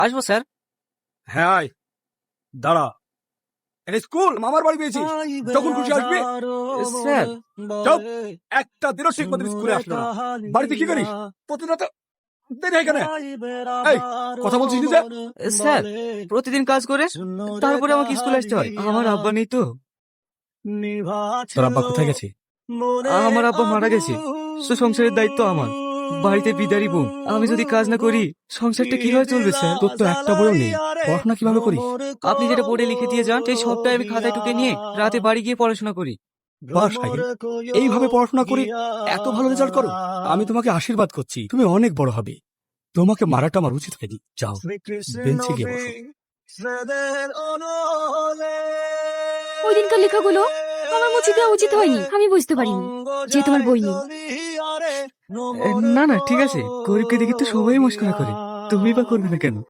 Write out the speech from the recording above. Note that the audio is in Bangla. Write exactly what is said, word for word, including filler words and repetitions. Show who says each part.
Speaker 1: আসবো স্যার।
Speaker 2: হ্যাঁ আয়। দাঁড়া, এটা স্কুল মামার বাড়ি পেয়েছিস, যখন খুশি আসবি।
Speaker 1: স্যার
Speaker 2: চুপ, একটা দিনও ঠিক মতো স্কুলে আসলো না। বাড়িতে কি করিস প্রতিদিন? তো দেরি হয় কেন? এই, কথা বলছিস না যে?
Speaker 1: স্যার প্রতিদিন কাজ করে তারপরে আমাকে স্কুলে আসতে হয়। আমার আব্বা নেই তো।
Speaker 2: তোর আব্বা কোথায় গেছে?
Speaker 1: আমার আব্বা মারা গেছে, তো সংসারের দায়িত্ব আমার। বাড়িতে বিদারি বউ, আমি যদি কাজ না করি সংসারটা কিভাবে চলবে স্যার?
Speaker 2: তোর তো একটা বইও নেই, পড়াশোনা কিভাবে করিস?
Speaker 1: আপনি যেটা বোর্ডে লিখে দিয়ে যান সেই সবটাই আমি খাতায় টুকে নিয়ে রাতে বাড়ি গিয়ে পড়াশোনা করি।
Speaker 2: বাহ সাহিল, এইভাবে পড়াশোনা করে এত ভালো রেজাল্ট করো। আমি তোমাকে আশীর্বাদ করছি, তুমি অনেক বড় হবে। তোমাকে মারাটা আমার উচিত হয়নি। যাও, বেঞ্চে গিয়ে বসো।
Speaker 3: ওই দিনকার লেখাগুলো আমার মুছে দেওয়া উচিত হয়নি, আমি বুঝতে পারিনি যে তোমার বই নেই।
Speaker 1: এ, না না ঠিক আছে, গরিবকে দেখে তো সবাই মস্করা করে, তুমি বা করবে না কেন?